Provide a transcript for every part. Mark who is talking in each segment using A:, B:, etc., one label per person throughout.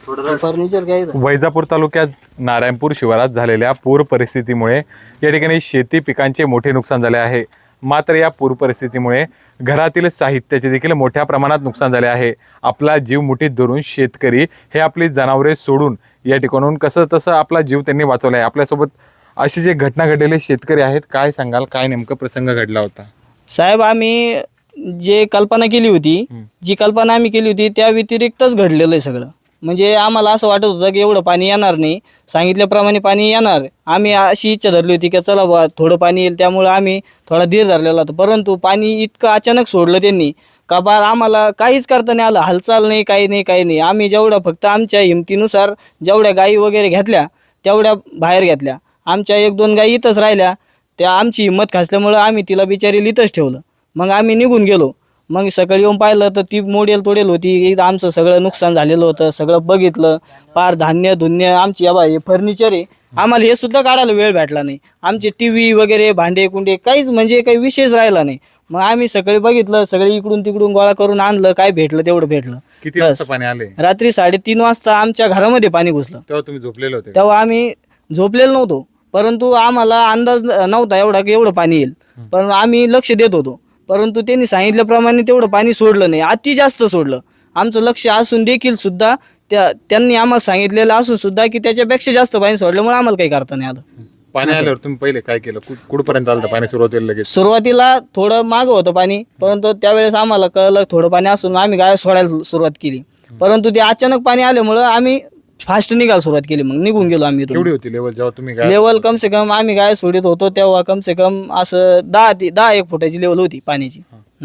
A: Furniture काय
B: वैजापूर तालुक्यात नारायणपूर शिवारात झालेल्या पूर परिस्थितीमुळे या ठिकाणी शेती पिकांचे मोठे नुकसान झाले आहे। मात्र या पूर परिस्थितीमुळे घरातील साहित्याचे देखील मोठ्या प्रमाणात नुकसान झाले आहे। आपला जीव मुठीत धरून शेतकरी हे आपली जनावरे सोडून या ठिकाणून कसं तसं आपला जीव त्यांनी वाचवला आहे। आपल्यासोबत अशी जे घटना घडलेले शेतकरी आहेत, काय सांगाल, काय नेमका प्रसंग घडला होता?
A: साहेब, आम्ही जे कल्पना केली होती, जी कल्पना आम्ही केली होती त्या व्यतिरिक्तच घडलेलं आहे सगळं। म्हणजे आम्हाला असं वाटत होतं की एवढं पाणी येणार नाही, सांगितल्याप्रमाणे पाणी येणार। आम्ही अशी इच्छा धरली होती की चला बा थोडं पाणी येईल, त्यामुळे आम्ही थोडा धीर धरलेला होता। परंतु पाणी इतकं अचानक सोडलं त्यांनी का बार आम्हाला काहीच करता नाही आलं, हालचाल नाही, काही नाही। आम्ही जेवढं फक्त आमच्या हिमतीनुसार जेवढ्या गायी वगैरे घेतल्या तेवढ्या बाहेर घेतल्या। आमच्या 1-2 गायी इथंच राहिल्या, त्या आमची हिंमत खासल्यामुळं आम्ही तिला बिचारी इथंच ठेवलं। मग आम्ही निघून गेलो। मग सकाळी येऊन पाहिलं तर ती मोडेल तोडेल होती, आमचं सगळं नुकसान झालेलं होतं। सगळं बघितलं, पार धान्य धुन्य आमची हे फर्निचर आहे, आम्हाला हे सुद्धा काढायला वेळ भेटला नाही। आमचे टीव्ही वगैरे भांडे कुंडे काहीच म्हणजे काही विषयच राहिला नाही। मग आम्ही सकाळी बघितलं, सगळे इकडून तिकडून गोळा करून आणलं, काय भेटलं तेवढं भेटलं।
B: किती वाजता पाणी आले?
A: रात्री 3:30 वाजता आमच्या घरामध्ये पाणी घुसलं।
B: तेव्हा तुम्ही झोपलेले होते?
A: तेव्हा आम्ही झोपलेलो नव्हतो, परंतु आम्हाला अंदाज नव्हता एवढा की एवढं पाणी येईल, पण आम्ही लक्ष देत होतो। परंतु त्यांनी सांगितल्याप्रमाणे तेवढं पाणी सोडलं नाही, अति जास्त सोडलं। आमचं लक्ष असून देखील सुद्धा त्यांनी आम्हाला सांगितलेलं असून सुद्धा की त्याच्यापेक्षा जास्त पाणी सोडल्यामुळे आम्हाला काही करता नाही आलं।
B: पाणी आल्यावर तुम्ही पहिले काय केलं? कुठपर्यंत आलं पाणी सुरुवातीला? लगेच
A: सुरुवातीला थोडं मागं होतं पाणी, परंतु त्यावेळेस आम्हाला कळलं थोडं पाणी असून आम्ही गाय सोडायला सुरुवात केली। परंतु ते अचानक पाणी आल्यामुळं आम्ही फास्ट निघायला सुरुवात केली, मग निघून गेलो आम्ही।
B: केवढी होती लेवल जेव्हा तुम्ही
A: लेवल कम से कम आम्ही गाय सोडित होतो तेव्हा कम से कम असं 10-1 फुटाची लेवल होती पाण्याची।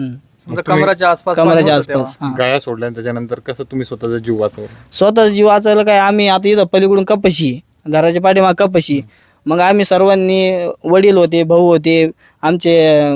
C: कमराच्या आसपास
B: गाया सोडल्या त्याच्यानंतर कसं तुम्ही स्वतःचा जीव वाचवला?
A: स्वतःचा जीव वाचायला काय, आम्ही आता इथं पलीकडून कपाशी आहे, घराच्या पाठीमाग कपाशी। मग आम्ही सर्वांनी, वडील होते, भाऊ होते, आमचे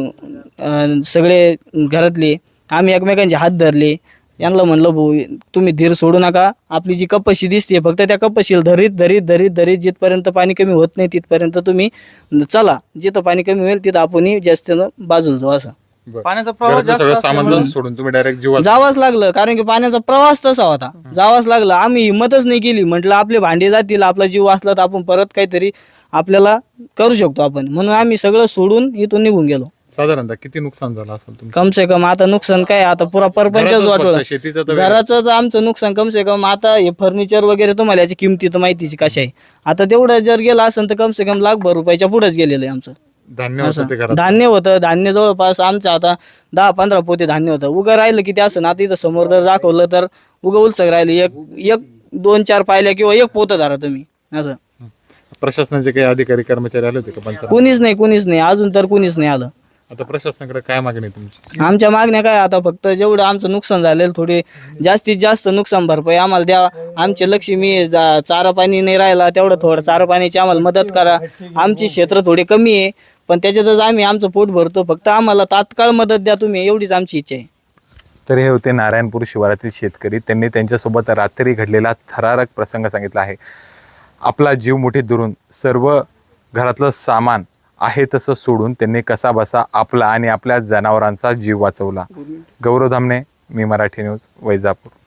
A: सगळे घरातले, आम्ही एकमेकांचे हात धरले। यांना म्हणलं भाऊ तुम्ही धीर सोडू नका, आपली जी कपाशी दिसते फक्त त्या कपाशीला धरीत जिथपर्यंत पाणी कमी होत नाही तिथपर्यंत तुम्ही चला, जिथं पाणी कमी होईल तिथं आपण जास्त बाजूला जाऊ। असं
C: पाण्याचा प्रवाह
B: सामान सोडून तुम्ही डायरेक्ट जीव
A: जावंच लागलं, कारण की पाण्याचा प्रवास तसा होता, जावंच लागलं। आम्ही हिंमतच नाही केली, म्हटलं आपले भांडे जातील, आपला जीव वाचला तर आपण परत काहीतरी आपल्याला करू शकतो आपण, म्हणून आम्ही सगळं सोडून इथून निघून गेलो।
B: साधारणतः किती नुकसान झालं असेल तुमचं?
A: कम से कम आता नुकसान काय, आता पुरा परपंचच वाटलं। घराचं तर आमचं नुकसान कम से कम, आता हे फर्निचर वगैरे तुम्हाला याची किमती तर माहितीची कशा आहे, आता तेवढं जर गेलं असेल तर कम से कम ₹1,00,000 रुपयाच्या पुढेच गेलेलं आहे आमचं। धान्य होतं, धान्य जवळपास आमचं आता 10-15 पोते धान्य होतं। उगं राहिलं किती असं ना, आता इथं समोर जर दाखवलं तर उगं उलसक राहिलं, 1-2-4 पाहिल्या किंवा 1 पोतं धरा तुम्ही। असं
B: प्रशासनाचे काही अधिकारी कर्मचारी आले होते का पंचायत?
A: कुणीच नाही, अजून तर कुणीच नाही आलं।
B: आता प्रशासनाकडे काय मागणी तुमची?
A: आमच्या मागण्या काय, आता फक्त जेवढं आमचं नुकसान झालेलं थोडी जास्तीत जास्त नुकसान भरपाई आम्हाला द्या। आमचे लक्ष्मी चारा पाणी नाही राहिला, तेवढं थोडं चारा पाण्याची आम्हाला मदत करा। आमची क्षेत्र थोडी कमी आहे, पण त्याच्यातच आम्ही आमचं पोट भरतो, फक्त आम्हाला तात्काळ मदत द्या तुम्ही, एवढीच आमची इच्छा आहे।
B: तर हे होते नारायणपूर शिवारातील शेतकरी। त्यांनी त्यांच्यासोबत रात्री घडलेला थरारक प्रसंग सांगितला आहे। आपला जीव मुठीत धरून सर्व घरातलं सामान आहे तसं सोडून त्यांनी कसा बसा आपला आणि आपल्या जनावरांचा जीव वाचवला। गौरव धामणे, मी मराठी न्यूज, वैजापूर।